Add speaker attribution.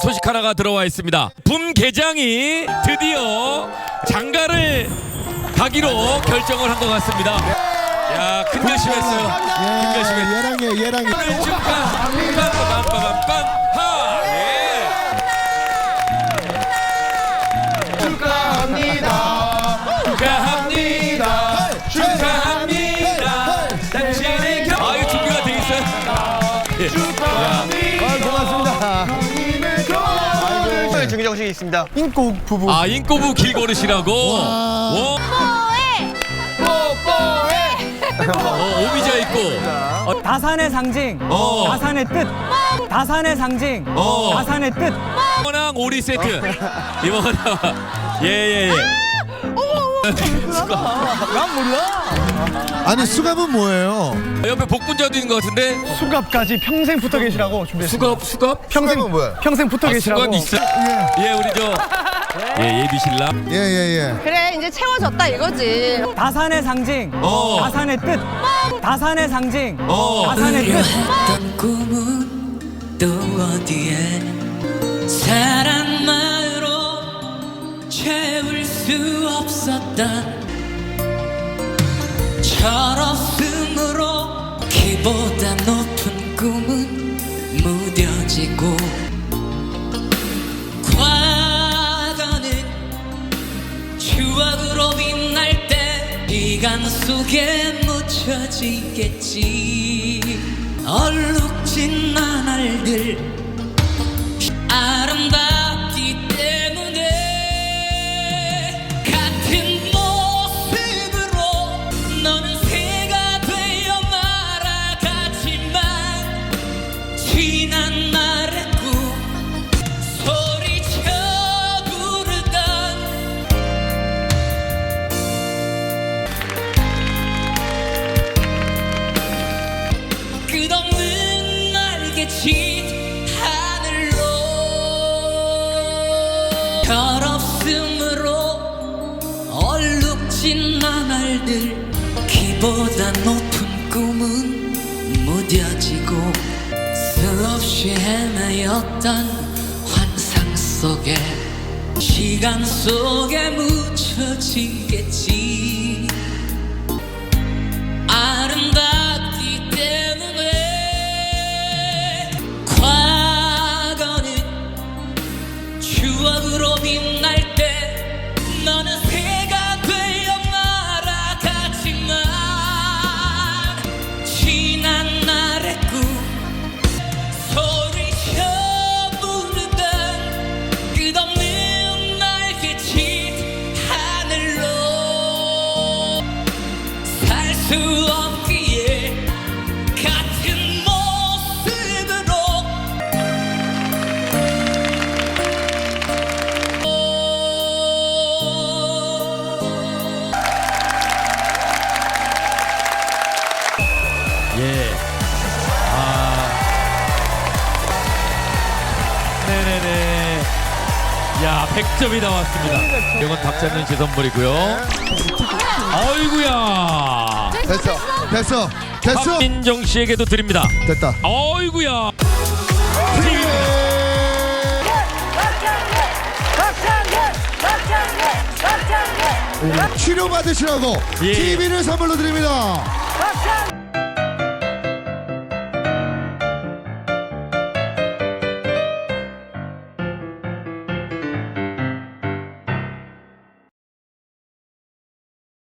Speaker 1: 소식 하나가 들어와 있습니다. 붐계장이 드디어 장가를 가기로 결정을 한 것 같습니다. 야, 큰 결심했어요. 큰 결심했어요.
Speaker 2: 예랑이.
Speaker 1: 축하. 빰빰빰빰빰. 하. 예. 축하합니다. 당신의 아, 이거 준비가 돼 있어요. 예.
Speaker 2: 고맙습니다.
Speaker 3: 중기 정식이 있습니다.
Speaker 2: 인꼬 부부.
Speaker 1: 아, 인꼬부 길거릇이라고. 오. 오미자 있고.
Speaker 4: 다산의 상징, 다산의 뜻, 다산의 상징, 다산의 뜻.
Speaker 1: 이모랑 오리 세트. 이모랑. 예예예.
Speaker 4: 난 몰라.
Speaker 2: 아니 수갑은 뭐예요?
Speaker 1: 옆에 복분자도 있는 것 같은데.
Speaker 4: 수갑까지 평생 붙어 계시라고 준비했습니다.
Speaker 1: 수갑?
Speaker 4: 평생
Speaker 2: 뭐야?
Speaker 4: 평생 붙어 계시라고.
Speaker 1: 수갑 있어. 예, 우리 저. 예, 예비 신랑.
Speaker 2: 예.
Speaker 5: 그래 이제 채워졌다 이거지.
Speaker 4: 다산의 상징, 다산의 뜻, 다산의 상징, 다산의 뜻.
Speaker 6: 했던 꿈은 또 어디에 사랑만으로 채울 수 없었다. 철없음으로 키보다 높은 꿈은 무뎌지고 과거는 추억으로 빛날 때 시간 속에 묻혀지겠지. 얼룩진 나날들 아름답기 때문에 같은 모습으로 너는 새가 되어 말아가지만 지난 날의 꿈 소리쳐 부르던 끝없는 날개친 하늘로 철없음으로 얼룩진 나날들 키보다 높은 꿈은 무뎌지고 수없이 헤매였던 환상 속에 시간 속에 묻혀지겠지. 아름답기 때문에 과거는 추억으로 빛날 때 너는 새가 되어 날아가지만 지난 날의 꿈 소리쳐 부르던 끝없는 날개친 하늘로 살 수 없기에 같은 모습으로
Speaker 1: 예. 네네네. 야, 100점이 나왔습니다. 이건 박찬민 씨 선물이고요. 어이구야.
Speaker 2: 됐어.
Speaker 1: 박민정 씨에게도 드립니다.
Speaker 2: 됐다.
Speaker 1: 어이구야.
Speaker 2: 치료 받으시라고
Speaker 1: 예.
Speaker 2: TV를 선물로 드립니다.